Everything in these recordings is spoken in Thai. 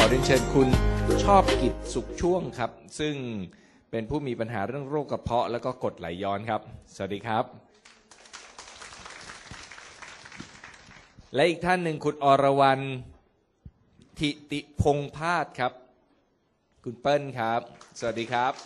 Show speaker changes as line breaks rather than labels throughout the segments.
อเรียนเชิญคุณชอบกิจสุขช่วงครับซึ่งเป็นผู้มีปัญหาเรื่องโรคกระเพาะแล้วก็กรดไหลย้อนครับสวัสดีครับและอีกท่านหนึ่งคุณอรวรรณทิติพงษ์พาสครับคุณเปิ้ลครับสวัสดีครับ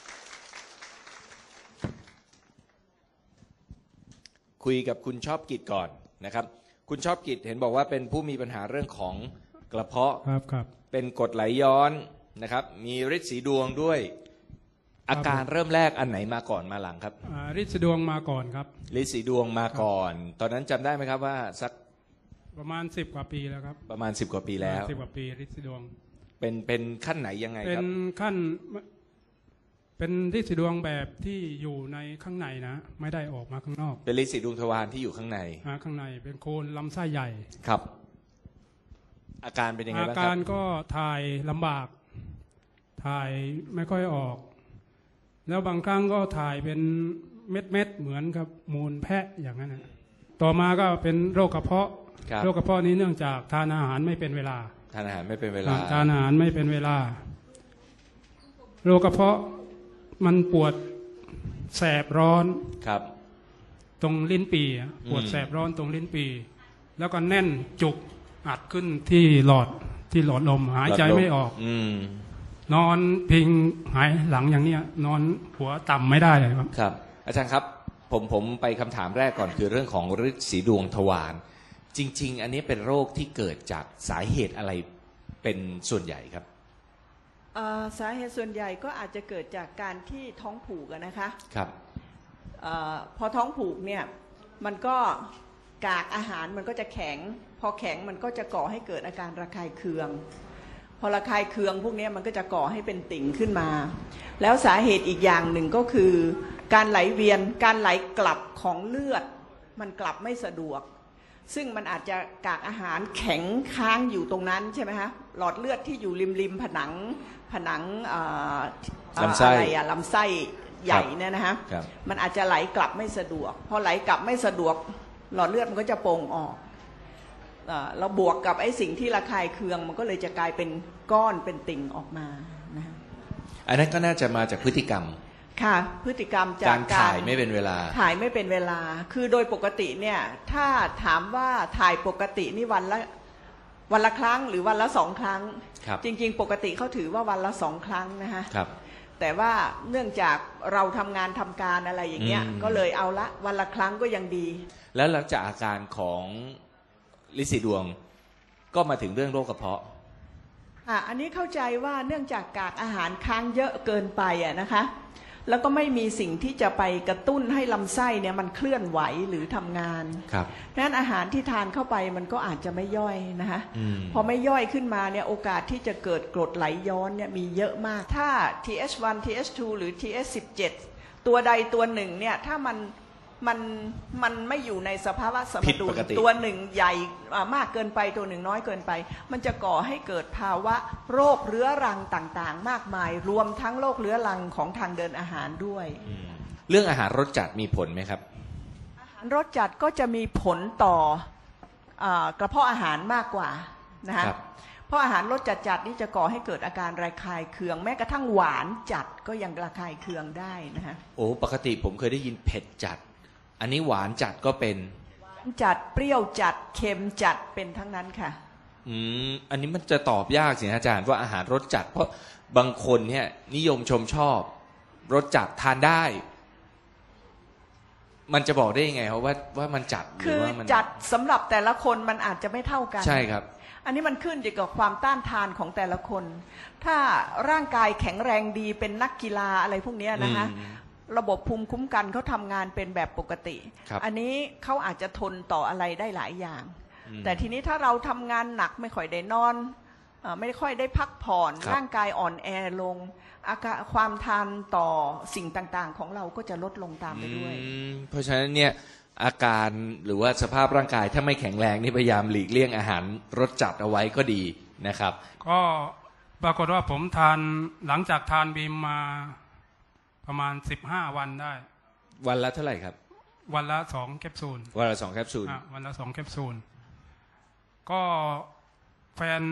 คุยกับคุณชอบกิจก่อนนะครับคุณชอบกิจเห็นบอกว่าเป็นผู้มีปัญหาเรื่องของกระเพาะ
ครับ
เป็นกรดไหลย้อนนะครับมีฤทธิ์สีดวงด้วยอาการเริ่มแรกอันไหนมาก่อนมาหลังครับ
ฤทธิ์สีดวงมาก่อนครับ
ฤทธิ์สีดวงมาก่อนตอนนั้นจำได้ไหมครับว่าสัก
ประมาณ10 กว่าปีแล้วครับ
ประมาณ10 กว่าปีแล้ว
10 กว่าปีฤทธิ์สีดวง
เป็นขั้นไหนยังไงครับ
เป็นขั้นเป็นฤทธิ์สีดวงแบบที่อยู่ในข้างในนะไม่ได้ออกมาข้างนอก
เป็นฤทธิ์สีดวงทวารที่อยู่ข้างใน
ข้างในเป็นโคนลำไส้ใหญ่
ครับอาการเป็นยังไงบ้างครับ
อาการก็ถ่ายลำบากถ่ายไม่ค่อยออกแล้วบางครั้งก็ถ่ายเป็นเม็ดเหมือนกับมูลแพะอย่างนั้นนะต่อมาก็เป็นโรคกระเพาะโรคกระเพาะนี้เนื่องจากทานอาหารไม่เป็นเวลา
ทานอาหารไม่เป็นเวลา
ทานอาหารไม่เป็นเวลาโรคกระเพาะมันปวดแสบร้อน
ครับ
ตรงลิ้นปี่ปวดแสบร้อนตรงลิ้นปี่แล้วก็แน่นจุกอัดขึ้นที่หลอดลมหายใจไม่ออกนอนพิงหายหลังอย่างเนี้ยนอนหัวต่ำไม่ได้เลยครับ
ครับอาจารย์ครับผมไปคำถามแรกก่อนคือเรื่องของฤทธิ์สีดวงทวารจริงๆอันนี้เป็นโรคที่เกิดจากสาเหตุอะไรเป็นส่วนใหญ่ครับ
สาเหตุส่วนใหญ่ก็อาจจะเกิดจากการที่ท้องผูกนะคะ
ครับ
พอท้องผูกเนี่ยมันก็กากอาหารมันก็จะแข็งพอแข็งมันก็จะก่อให้เกิดอาการระคายเคืองพอระคายเคืองพวกนี้มันก็จะก่อให้เป็นติ่งขึ้นมาแล้วสาเหตุอีกอย่างหนึ่งก็คือการไหลเวียนการไหลกลับของเลือดมันกลับไม่สะดวกซึ่งมันอาจจะกากอาหารแข็งค้างอยู่ตรงนั้นใช่ไหมฮะหลอดเลือดที่อยู่ริมผนัง
ลำไส้
ลำไส้ใหญ่เนี่ยนะฮะมันอาจจะไหลกลับไม่สะดวกพอไหลกลับไม่สะดวกหลอดเลือดมันก็จะโป่งออกเราบวกกับไอ้สิ่งที่ระคายเคืองมันก็เลยจะกลายเป็นก้อนเป็นติ่งออกมานะ
อันนั้นก็น่าจะมาจากพฤติกรรม
ค่ะพฤติกรรมจาก
การถ่ายไม่เป็นเวลา
ถ่ายไม่เป็นเวลาคือโดยปกติเนี่ยถ้าถามว่าถ่ายปกตินี่วันละครั้งหรือวันละ2 ครั้งจริงๆปกติเขาถือว่าวันละ2 ครั้งนะคะแต่ว่าเนื่องจากเราทำงานทำการอะไรอย่างเงี้ยก็เลยเอาละวันละครั้งก็ยังดี
แล้วหลังจากอาการของฤทธิ์สีดวงก็มาถึงเรื่องโรคกระเพาะ
อันนี้เข้าใจว่าเนื่องจากกากอาหารค้างเยอะเกินไปนะคะแล้วก็ไม่มีสิ่งที่จะไปกระตุ้นให้ลำไส้เนี่ยมันเคลื่อนไหวหรือทำงานดังนั้นอาหารที่ทานเข้าไปมันก็อาจจะไม่ย่อยนะคะพอไม่ย่อยขึ้นมาเนี่ยโอกาสที่จะเกิดกรดไหลย้อนเนี่ยมีเยอะมากถ้า TH1 TH2 หรือ TH17 ตัวใดตัวหนึ่งเนี่ยถ้ามันไม่อยู่ในสภาวะสมดุลตัวหนึ่งใหญ่มากเกินไปตัวหนึ่งน้อยเกินไปมันจะก่อให้เกิดภาวะโรคเรื้อรังต่างๆมากมายรวมทั้งโรคเรื้อรังของทางเดินอาหารด้วย
เรื่องอาหารรสจัดมีผลไหมครับ
อาหารรสจัดก็จะมีผลต่อกระเพาะอาหารมากกว่านะคะเพราะอาหารรสจัดนี่จะก่อให้เกิดอาการระคายเคืองแม้กระทั่งหวานจัดก็ยังระคายเคืองได้นะคะ
โอ้ปกติผมเคยได้ยินเผ็ดจัดอันนี้หวานจัดก็เป็น
หวานจัดเปรี้ยวจัดเค็มจัดเป็นทั้งนั้นค่ะ
อันนี้มันจะตอบยากสิอาจารย์ว่าอาหารรสจัดเพราะบางคนเนี่ยนิยมชมชอบรสจัดทานได้มันจะบอกได้ยังไงว่ามันจัดหรือว่ามัน
จัดสำหรับแต่ละคนมันอาจจะไม่เท่ากัน
ใช่ครับ
อันนี้มันขึ้นอยู่กับความต้านทานของแต่ละคนถ้าร่างกายแข็งแรงดีเป็นนักกีฬาอะไรพวกนี้นะคะระบบภูมิคุ้มกันเขาทำงานเป็นแบบปกติอันนี้เขาอาจจะทนต่ออะไรได้หลายอย่างแต่ทีนี้ถ้าเราทำงานหนักไม่ค่อยได้นอนไม่ค่อยได้พักผ่อนร่างกายอ่อนแอลงอาการความทานต่อสิ่งต่างๆของเราก็จะลดลงตามไปด้วย
เพราะฉะนั้นเนี่ยอาการหรือว่าสภาพร่างกายถ้าไม่แข็งแรงนี่พยายามหลีกเลี่ยงอาหารรสจัดเอาไว้ก็ดีนะครับ
ก็ปรากฏว่าผมทานหลังจากทานบีมมาประมาณ15 วันได้
วันละเท่าไหร่ครับ
วันละ2 แคปซูล
วันละ2 แคปซูล
วันละ2 แคปซูลก็แฟน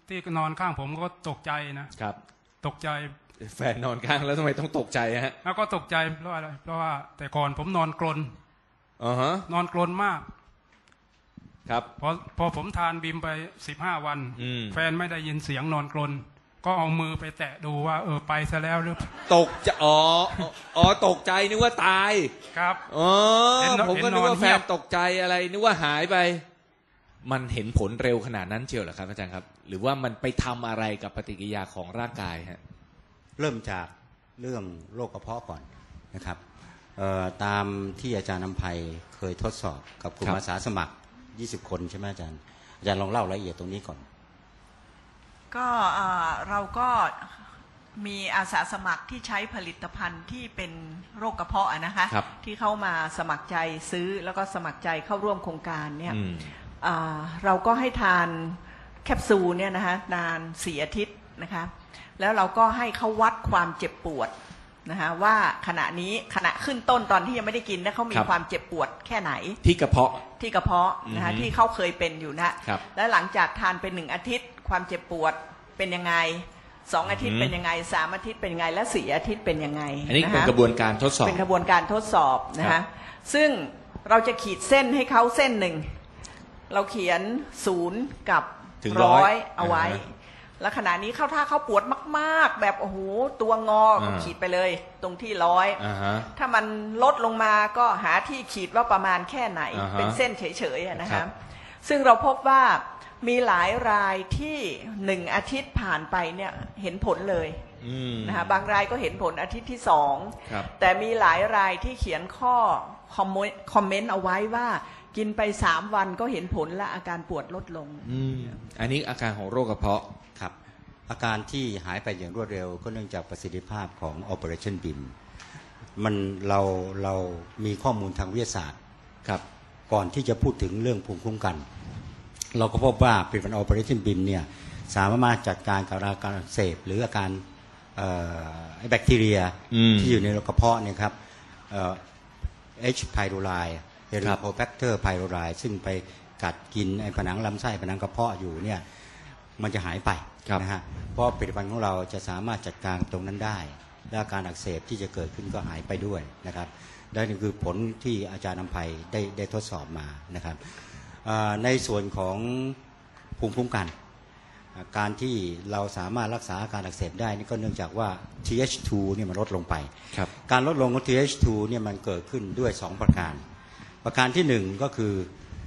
ที่นอนข้างผมก็ตกใจนะครับตกใจ
แฟนนอนข้างแล้วทำไมต้องตกใจฮะ
แล้วก็ตกใจเพราะอะไรเพราะว่าแต่ก่อนผมนอนกรน
ฮะ
นอนกรนมาก
ครับ
พอผมทานบิมไป15 วัน แฟนไม่ได้ยินเสียงนอนกรนก็เอามือไปแตะดูว่าไปซะแล้วหรือ
ตกจะตกใจนึกว่าตาย
ครับ
ผมก็นึกว่า
เห็นนอนเงี
แฟ
ย
น
บ
ตกใจอะไรนึกว่าหายไป มันเห็นผลเร็วขนาดนั้นเชียวเหรอครับอาจารย์ครับ หรือว่ามันไปทำอะไรกับปฏิกิริยาของร่างกายฮะ
เริ่มจากเรื่องโรคกระเพาะก่อนนะครับตามที่อาจารย์นำไพเคยทดสอบกับกลุ่มอาสาสมัคร20 คนใช่ไหมอาจารย์ลองเล่ารายละเอียดตรงนี้ก่อน
ก็เราก็มีอาสาสมัครที่ใช้ผลิตภัณฑ์ที่เป็นโรคกระเพาะนะคะ
ครับ
ที่เข้ามาสมัครใจซื้อแล้วก็สมัครใจเข้าร่วมโครงการเนี่ย
อืม
เราก็ให้ทานแคปซูลเนี่ยนะคะนาน4 อาทิตย์นะคะแล้วเราก็ให้เขาวัดความเจ็บปวดนะคะว่าขณะขึ้นต้นตอนที่ยังไม่ได้กินเขามีความเจ็บปวดแค่ไหน
ที่กระเพาะ
นะคะที่เขาเคยเป็นอยู่นะครับ แล้วหลังจากทานไป1 อาทิตย์ความเจ็บปวดเป็นยังไง2 อาทิตย์เป็นยังไง3 อาทิตย์เป็นยังไงและ4 อาทิตย์เป็นยังไง
อันนี้เป็นกระบวนการทดสอบ
เป็นกระบวนการทดสอบนะคะซึ่งเราจะขีดเส้นให้เขาเส้นหนึ่งเราเขียน0 กับ
ถึง
100เอาไว้แล้วขณะนี้ถ้าเขาปวดมากๆแบบโอ้โหตัวงอก็ขีดไปเลยตรงที่100ถ้ามันลดลงมาก็หาที่ขีดว่าประมาณแค่ไหนเป็นเส้นเฉยๆนะคะซึ่งเราพบว่ามีหลายรายที่1 อาทิตย์ผ่านไปเนี่ยเห็นผลเลยนะคะบางรายก็เห็นผลอาทิตย์ที่2แต่มีหลายรายที่เขียนข้อคอมเมนต์เอาไว้ว่ากินไป3 วันก็เห็นผลและอาการปวดลดลง
อันนี้อาการของโรคกระเพาะ
ครับอาการที่หายไปอย่างรวดเร็วก็เนื่องจากประสิทธิภาพของ Operation BIM เรามีข้อมูลทางวิทยาศาสตร์ครับก่อนที่จะพูดถึงเรื่องภูมิคุ้มกันเราก็พบว่าผลิตภัณฑ์ Operation BIM เนี่ยสามารถจัดการกับอาการอักเสบหรืออาการแบคทีเรียที่อยู่ในกระเพาะเนี่ยครับH. pylori Helicobacter pylori ซึ่งไปกัดกินไอ้ผนังลำไส้ผนังกระเพาะอยู่เนี่ยมันจะหายไปนะฮะเพราะผลิตภัณฑ์ของเราจะสามารถจัดการตรงนั้นได้และอาการอักเสบที่จะเกิดขึ้นก็หายไปด้วยนะครับและนี่คือผลที่อาจารย์นำไพได้ทดสอบมานะครับในส่วนของภูมิคุ้มกันการที่เราสามารถรักษาอาการอักเสบได้นี่ก็เนื่องจากว่า TH2 เนี่ยมันลดลงไปการลดลงของ TH2 เนี่ยมันเกิดขึ้นด้วย2 ประการที่1ก็คือ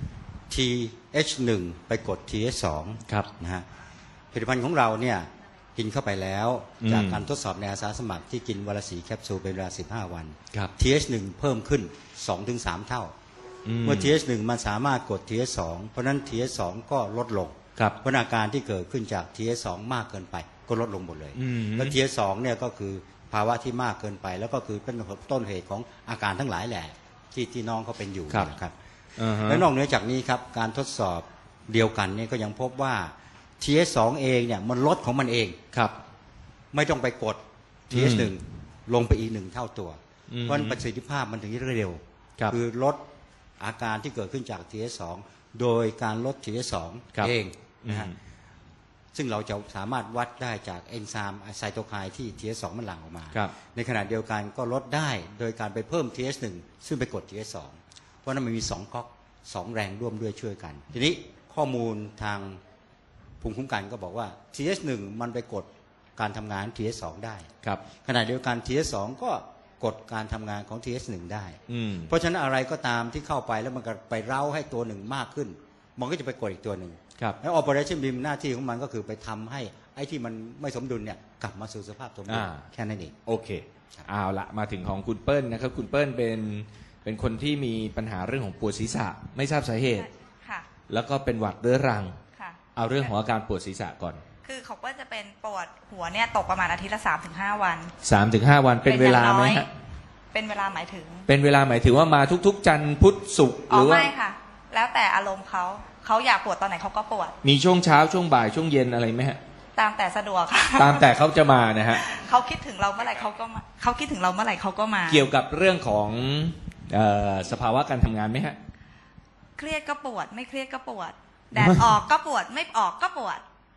TH1 ไปกด TH2 นะฮะผลิตภัณฑ์ของเราเนี่ยกินเข้าไปแล้วจากการทดสอบในอาสาสมัครที่กินวันละ4 แคปซูลเป็นเวลา15 วัน TH1 เพิ่มขึ้น 2-3 เท่าเมื่อ TH1 มันสามารถกด TH2 เพราะนั้น TH2 ก็ลดลงเพราะอาการที่เกิดขึ้นจาก TH2 มากเกินไปก็ลดลงหมดเลยแล้ว TH2 เนี่ยก็คือภาวะที่มากเกินไปแล้วก็คือเป็นต้นเหตุของอาการทั้งหลายแหละที่น้องเขาเป็นอยู่นะครับและนอกเหนือจากนี้ครับการทดสอบเดียวกันเนี่ยก็ยังพบว่า TH2 เองเนี่ยมันลดของมันเองไม่ต้องไปกด TH1 ลงไปอีก1 เท่าตัวเพราะประสิทธิภาพมันถึงเร็วคือลดอาการที่เกิดขึ้นจาก TH2 โดยการลด TH2 เองนะฮะซึ่งเราจะสามารถวัดได้จากเอนไซม์ไซโตไคน์ที่ TH2 มันหลั่งออกมาในขณะเดียวกันก็ลดได้โดยการไปเพิ่ม TH1 ซึ่งไปกด TH2 เพราะนั้นมันมี2 ก๊อก 2 แรงร่วมด้วยช่วยกันทีนี้ข้อมูลทางภูมิคุ้มกันก็บอกว่า TH1 มันไปกดการทำงาน TH2 ได้ขณะเดียวกัน TH2 ก็กดการทำงานของ TH1 ได้เพราะฉะนั้นอะไรก็ตามที่เข้าไปแล้วมันก็ไปเร้าให้ตัวหนึ่งมากขึ้นมันก็จะไปกดอีกตัวหนึ่งแล้ว Operation BIM หน้าที่ของมันก็คือไปทำให้ไอ้ที่มันไม่สมดุลเนี่ยกลับมาสู่สภาพสมดุลแค่นั้นเอง
โอเคเอาละมาถึงของคุณเปิ้ลนะครับคุณเปิ้ลเป็นคนที่มีปัญหาเรื่องของปวดศีรษะไม่ทราบสาเหตุแล้วก็เป็นหวัดเรื้อรังเอาเรื่องของอาการปวดศีรษะก่อน
คือเขาก็จะเป็นปวดหัวเนี่ยตกประมาณอาทิตย์ละ 3-5 วัน
3-5 วันเป็นเวลาไหมฮะ
เป็นเวลาหมายถึง
เป็นเวลาหมายถึงว่ามาทุกๆจันทร์พุธศุกร์หรือว่า
ไม่ค่ะแล้วแต่อารมณ์เขาอยากปวดตอนไหนเขาก็ปวด
มีช่วงเช้าช่วงบ่ายช่วงเย็นอะไรไหมฮะ
ตามแต่สะดวกค่ะ
ตามแต่เขาจะมานะฮะ
เขาคิดถึงเราเมื่อไหร่เขาก็มาเขาคิดถึงเราเมื่อไหร่เขาก็มา
เกี่ยวกับเรื่องของสภาวะการทำงานไหมฮะ
เครียดก็ปวดไม่เครียดก็ปวดแดดออกก็ปวดไม่ออกก็ปวด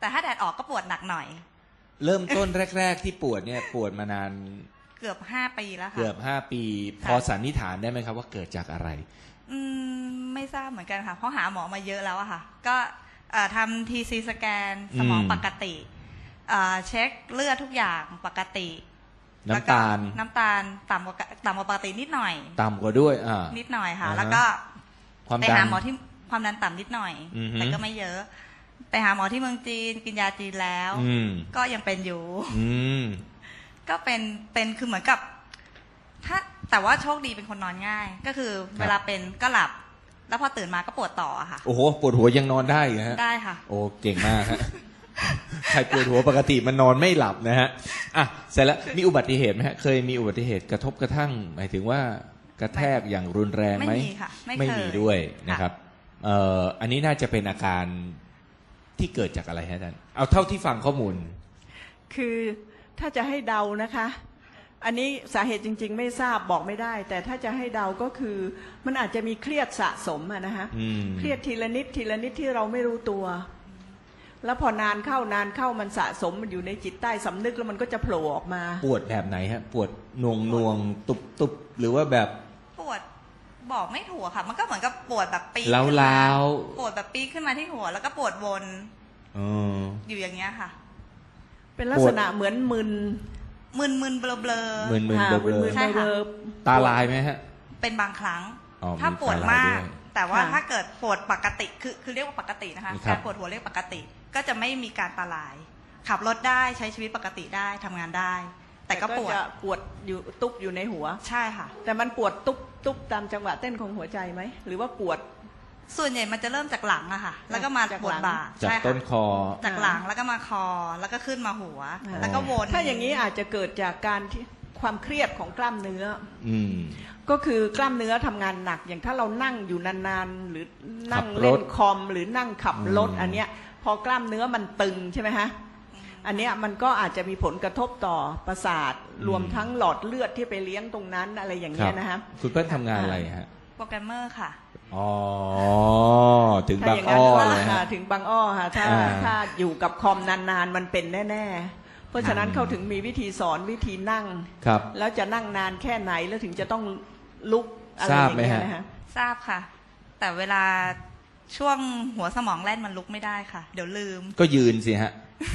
แต่ถ้าแดดออกก็ปวดหนักหน่อย
เริ่มต้นแรกๆที่ปวดเนี่ยปวดมานาน
เกือบ5 ปีแล้วค่ะ
เกือบ5 ปี พอสันนิษฐานได้ไหมครับว่าเกิดจากอะไร
ไม่ทราบเหมือนกันค่ะเพราะหาหมอมาเยอะแล้วอะค่ะก็ทำทีซีสแกนสมองปกติเช็คเลือดทุกอย่างปกติ
น้ำตาล
น้ำตาลต่ำกว่าปกตินิดหน่อย
ต่ำกว่าด้วย
นิดหน่อยค่ะ
อ่าฮะ
แล้วก็
ความ
ไป
ดัน
หาหมอที่ความดันต่ำนิดหน่อย
อือฮึ
แต่ก็ไม่เยอะ ไปหาหมอที่เมืองจีนกินยาจีนแล้ว ก็ยังเป็นอยู่ ก็เป็นคือเหมือนกับแต่ว่าโชคดีเป็นคนนอนง่าย ก็คือเวลาเป็นก็หลับ แล้วพอตื่นมาก็ปวดต่อค่ะ
โอ้โหปวดหัวยังนอนได้เหรอฮะ
ได้ค่ะ
โอ้เก่งมากฮะ ใครปวดหัวปกติมันนอนไม่หลับนะฮะอ่ะเสร็จแล้วมีอุบัติเหตุไหมฮะเคยมีอุบัติเหตุกระทบกระทั่งหมายถึงว่ากระแทกอย่างรุนแรงไหม
ไม่มีค่ะไม่เคย
ไม่มีด้วยนะครับอันนี้น่าจะเป็นอาการที่เกิดจากอะไรฮะอาจารย์เอาเท่าที่ฟังข้อมูล
คือถ้าจะให้เดานะคะ อันนี้สาเหตุจริงๆไม่ทราบบอกไม่ได้ แต่ถ้าจะให้เดาก็คือมันอาจจะมีเครียดสะสมอะนะคะเครียดทีละนิดทีละนิดที่เราไม่รู้ตัว แล้วพอนานเข้ามันสะสมมันอยู่ในจิตใต้สำนึกแล้วมันก็จะโผล่ออกมา
ปวดแบบไหนฮะปวดนวงตุบหรือว่าแบบ
ปวดบอกไม่ถูกค่ะ มันก็เหมือนกับปวดแบบปี
ล้าว
ปวดแบบปีขึ้นมาที่หัว แล้วก็ปวดวน อยู่อย่างเงี้ยค่ะ
เป็นลักษณะเหมือนมึน
มึนเบลอ
ๆมึนๆเบลอ
ใช่ค่ะ
ๆตาลายไหมฮะ
เป็นบางครั้ง
อ๋อ
ถ้าปวด
มีตาลาย
มาก
ด้วย
แต่ว่าถ้าเกิดปวดปกติคือเรียกว่าปกตินะคะ
ครับ
การปวดหัวเรียกปกติ ก็จะไม่มีการตาลาย ขับรถได้ใช้ชีวิตปกติได้ทำงานได้ แต่ก็ปวด
จะปวดอยู่ตุ๊บอยู่ในหัว
ใช่ค่ะ
แต่มันปวดตุ๊บตามจังหวะเต้นของหัวใจไหมหรือว่าปวด
ส่วนใหญ่มันจะเริ่มจากหลังอะค่ะ แล้วก็มา
จาก
ปว
หลั
ด
ง
บ่า
จาก
ใช่
ต้
ค่ะ
นคอ
จากหลังแล้วก็มาคอแล้วก็ขึ้นมาหัว แล้วก็วน
ถ้าอย่างนี้อาจจะเกิดจากการที่ความเครียดของกล้ามเนื้อ
อืม
ก็คือกล้ามเนื้อทำงานหนัก อย่างถ้าเรานั่งอยู่นานๆหรือนั่ง
ขับรถ
เล่นคอมหรือนั่งขับรถ
อืม
อันเนี้ยพอกล้ามเนื้อมันตึงใช่ไหมฮะอันเนี้ยมันก็อาจจะมีผลกระทบต่อประสาทรวมทั้งหลอดเลือดที่ไปเลี้ยงตรงนั้นอะไรอย่างเงี้ยนะฮะ
คุณเปิ้ลทำงานอะไรฮะ
โปรแกรมเมอร์ค่ะ
อ๋อถึง
ถ้า
บาง
อย่าง
อ้
นั้น
อเลย
ค่ะ
ฮะ
ถึงบางอ้อค่ะถ้าอยู่กับคอมนานๆมันเป็นแน่ๆเพราะฉะนั้นเขาถึงมีวิธีสอนวิธีนั่ง
ครับ
แล้วจะนั่งนานแค่ไหนแล้วถึงจะต้องลุกอะไร
ท
อ
ราบ
ย่าง
ไหม
เงี้ย
ฮะ
นะฮะ
ทราบค่ะ แต่เวลาช่วงหัวสมองแล่นมันลุกไม่ได้ค่ะ เดี๋ยวลืม
ก็ยืนสิฮะ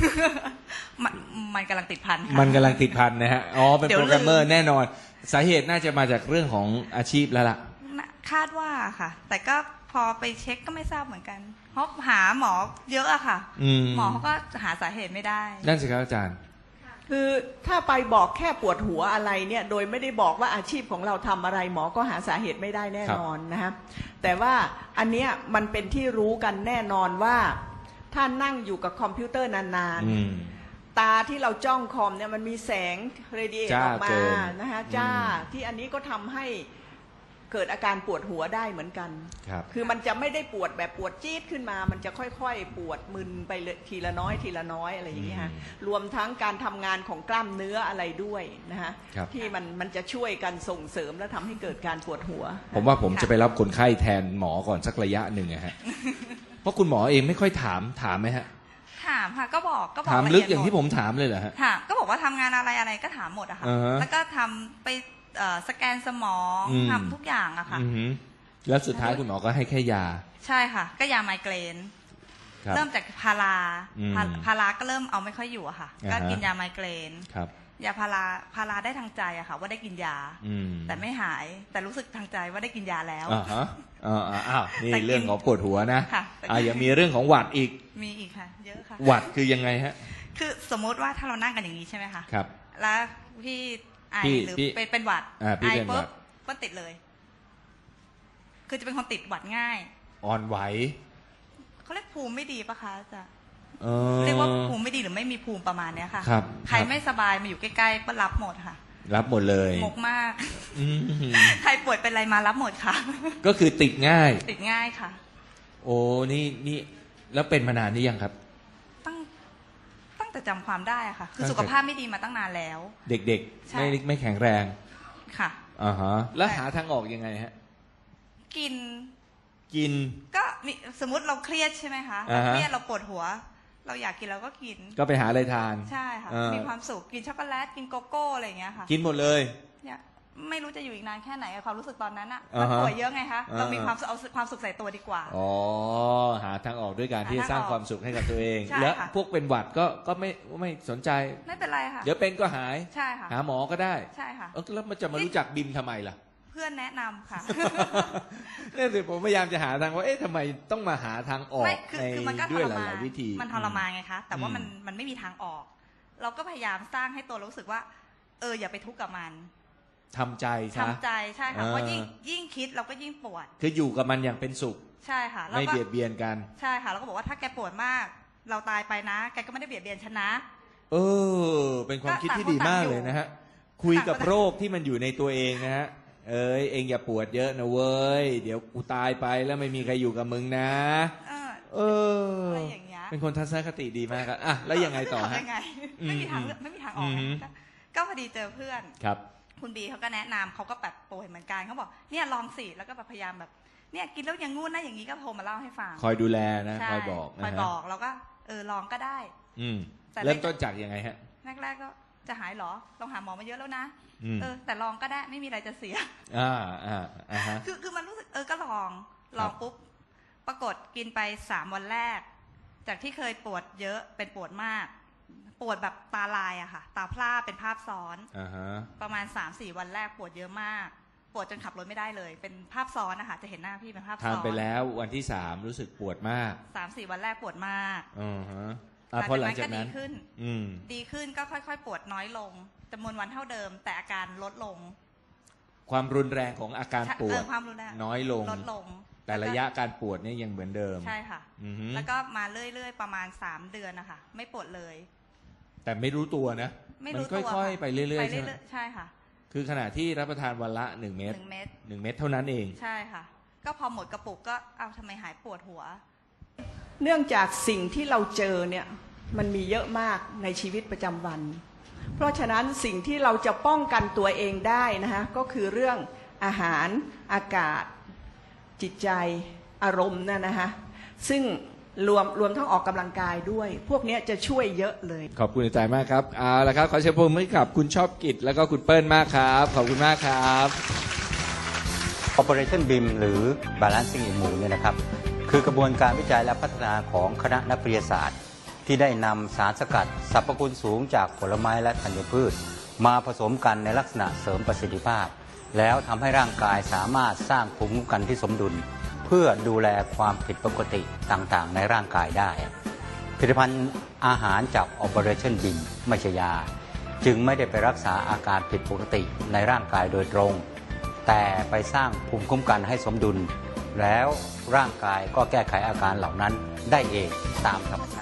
มันกำลังติดพันค่ะ
มันกำลังติดพันนะฮะ อ๋อ เป็น
เดี๋ยว
โปรแกรมเมอร์
ลืม
แน่นอน สาเหตุน่าจะมาจากเรื่องของอาชีพแล้วล่ะ
คาดว่าค่ะ แต่ก็พอไปเช็คก็ไม่ทราบเหมือนกัน เพราะหาหมอเยอะอะค่ะ หมอเขาก็หาสาเหตุไม่ได้
นั่นสิครับอาจารย์
คือถ้าไปบอกแค่ปวดหัวอะไรเนี่ยโดยไม่ได้บอกว่าอาชีพของเราทำอะไรหมอก็หาสาเหตุไม่ได้แน่นอนนะฮะแต่ว่าอันเนี้ยมันเป็นที่รู้กันแน่นอนว่าถ้านั่งอยู่กับคอมพิวเตอร์นานๆตาที่เราจ้องคอมเนี่ยมันมีแสงเรดิเอท
จ้า
ออกมา
เกิน
นะฮะจ้าที่อันนี้ก็ทำให้เกิดอาการปวดหัวได้เหมือนกัน
ครับ
คือมันจะไม่ได้ปวดแบบปวดจี๊ดขึ้นมา มันจะค่อยๆปวดมึนไปทีละน้อยทีละน้อยอะไรอย่างเงี้ยฮะรวมทั้งการทำงานของกล้ามเนื้ออะไรด้วยนะฮะ
ครับ
ที่มันจะช่วยกันส่งเสริมและทำให้เกิดการปวดหัว
ผมว่าผมจะไปรับคนไข้แทนหมอก่อนสักระยะหนึ่งอะฮะ เพราะคุณหมอเองไม่ค่อยถามไหมฮะ
ถามค่ะก็บอก
ถามลึกอย่างที่ผมถามเลยเหรอฮะ
ถามก็บอกว่าทำงานอะไรก็ถามหมดอะค่ะ
อ่าฮะ
แล้วก็ทำไปสแกนสมองทำทุกอย่างอะค่ะ
อือหือแล้วสุดท้ายคุณหมอก็ให้แค่ยา
ใช่ค่ะ ก็ยาไมเกรน
ครับ
เริ่มจากพารา
อืม
พาราก็เริ่มเอาไม่ค่อยอยู่อะค่ะ
อ่า
ก็
ฮะ
กินยาไมเกรน
ครับ
ยาพาราได้ทางใจอะค่ะ ว่าได้กินยา แต่ไม่หายแต่รู้สึกทางใจว่าได้กินยาแล้ว
อ่าฮะอ้าวนี่
แต่กิน
เรื่องของปวดหัวนะ
ค่ะแต่กิน
ยังมีเรื่องของหวัดอีก
มีอีกค่ะ เยอะค่ะ
หวัดคือยังไงฮะ
คือสมมติว่าถ้าเรานั่งกันอย่างนี้ใช่ไหมคะ
ครับ
แล้วพี่ไอ
พี่
หรือ
พี่
เป็นหวัด
พี่
ไอ
เป็นหวั
ปุ๊
ด
บก็ติดเลย คือจะเป็นคนติดหวัดง่าย
อ่อนไหว
เขาเรียกภูมิไม่ดีปะคะอาจะ
เออ
เรียกว่าภูมิไม่ดีหรือไม่มีภูมิประมาณเนี้ยค่ะ
ครับ
ใคร
ครับ
ไม่สบายมาอยู่ใกล้ๆก็รับหมดค่ะ
รับหมดเลย
งกมาก
อืม
ใครป่วยเป็นอะไรมารับหมดค่ะ
ก็คือติดง่าย
ติดง่ายค่ะ
โอ้นี่แล้วเป็นมานานหรือยังครับ
ตั้งแต่จำความได้อะค่ะ คือ
ตั้งแต่
สุขภาพไม่ดีมาตั้งนานแล้ว
เด็ก
ใช่
ๆไม่แข็งแรง
ค่ะ
อ่าฮะแล้วหาทางออกยังไงฮะ
กิน
กิน
ก็มีสมมติเราเครียดใช่ไหมคะ
อ่าฮะ
เครียดเราปวดหัวเราอยากกินเราก็กิน
ก็ไปหาอะไรทาน
ใช่ค่ะมีความสุขกินช็อกโกแลตกินโกโก้อะไรอย่างเงี้ยค่ะ
กินหมดเลย
เนี่ยไม่รู้จะอยู่อีกนานแค่ไหนความรู้สึกตอนนั้นอะมันป่วยเยอะไงคะเรามีความเอาความสุขใส่ตัวดีกว่า
อ๋อหาทางออกด้วยการที่จะสร้างความสุขให้กับตัวเองแล้วพวกเป็นหวัดก็ไม่สนใจ
ไม่เป็นไรค่ะ
เดี๋ยวเป็นก็หาย
ใช่ค่ะ
หาหมอก็ได้
ใช่ค่ะ
แล้วมันจะมารู้จักบิมทำไมล่ะ
เพื่อนแนะนำค่ะ
เนี่ยสิผมพยายามจะหาทางว่าทำไมต้องมาหาทางออกในด้วยหลายวิธี
มันทรมานไงคะแต่ว่ามันไม่มีทางออกเราก็พยายามสร้างให้ตัวรู้สึกว่าอย่าไปทุกข์กับมัน
ทำใจ
ทำใจใช่ค่ะเพราะยิ่งคิดเราก็ยิ่งปวด
คืออยู่กับมันอย่างเป็นสุข
ใช่ค่ะ
ไม่เบียดเบียนกัน
ใช่ค่ะแล้วก็บอกว่าถ้าแกปวดมากเราตายไปนะแกก็ไม่ได้เบียดเบียนฉันนะ
เป็นความคิดที่ดีมากเลยนะฮะคุยกับโรคที่มันอยู่ในตัวเองนะฮะเองอย่าปวดเยอะนะเว้ยเดี๋ยวกูตายไปแล้วไม่มีใครอยู่กับมึงนะ
อะไรอย่างเงี้ย
เป็นคนทัศนคติดีมากครับอ่ะแล้วยังไงต่อฮะ
ไม่มีทางออกก็พอดีเจอเพื่อน
ครับ
คุณบีเขาก็แนะนำเขาก็แบบป่วยเหมือนกันเขาบอกเนี่ยลองสิแล้วก็พยายามแบบเนี่ยกินแล้วอย่างงู้นนะอย่างนี้ก็โทรมาเล่าให้ฟัง
คอยดูแลนะคอยบอก
แล้วก็ลองก็ได้
เริ่มต้นจากยังไงฮะ
แรกๆก็จะหายหรอลองหาหมอมาเยอะแล้วนะแต่ลองก็ได้ไม่มีอะไรจะเสียคือมันรู้สึกก็ลองปุ๊บปรากฏกินไป3 วันแรกจากที่เคยปวดเยอะเป็นปวดมากปวดแบบตาลายอะค่ะตาพร่าเป็นภาพซ้อนประมาณ 3-4 วันแรกปวดเยอะมากปวดจนขับรถไม่ได้เลยเป็นภาพซ้อนนะคะจะเห็นหน้าพี่เป็นภาพซ้อน
ทานไปแล้ววันที่3รู้สึกปวดมาก
3-4 วันแรกปวดมาก
พอหลังจากนั้น
ดีขึ้นก็ค่อยๆปวดน้อยลงจำนวนวันเท่าเดิมแต่อาการลดลง
ความรุนแรงของอาการปวดน้อยลง
ลดลง
แต่ระยะการปวดเนี่ยยังเหมือนเดิม
ใช่ค่ะแล้วก็มาเรื่อยๆประมาณ3 เดือนนะคะไม่ปวดเลย
แต่ไม่รู้ตัวนะมันค่อยๆไปเรื่อยๆใช่ไหม
ใช่ค่ะ
คือขณะที่รับประทานวันละ1 เม็ด1 เม็ดเท่านั้นเอง
ใช่ค่ะก็พอหมดกระปุกก็ทำไมหายปวดหัว
เนื่องจากสิ่งที่เราเจอเนี่ยมันมีเยอะมากในชีวิตประจำวันเพราะฉะนั้นสิ่งที่เราจะป้องกันตัวเองได้นะคะก็คือเรื่องอาหารอากาศจิตใจอารมณ์นั่นนะคะซึ่งรวมทั้งออกกำลังกายด้วยพวกนี้จะช่วยเยอะเลย
ขอบคุณอาจารย์มากครับเอาละครับขอเชิญพบมือกับคุณชอบกิจแล้วก็คุณเปิ้ลมากครับขอบคุณมากครับ
Operation BIM หรือ Balancing Immune เนี่ยนะครับคือกระบวนการวิจัยและพัฒนาของคณะนักวิทยาศาสตร์ที่ได้นำสารสกัดสรรพคุณสูงจากผลไม้และธัญพืชมาผสมกันในลักษณะเสริมประสิทธิภาพแล้วทำให้ร่างกายสามารถสร้างภูมิคุ้มกันที่สมดุลเพื่อดูแลความผิดปกติต่างๆในร่างกายได้ผลิตภัณฑ์อาหารจาก Operation BIM ไม่ใช่ยาจึงไม่ได้ไปรักษาอาการผิดปกติในร่างกายโดยตรงแต่ไปสร้างภูมิคุ้มกันให้สมดุลแล้วร่างกายก็แก้ไขอาการเหล่านั้นได้เองตามธรรมชาติ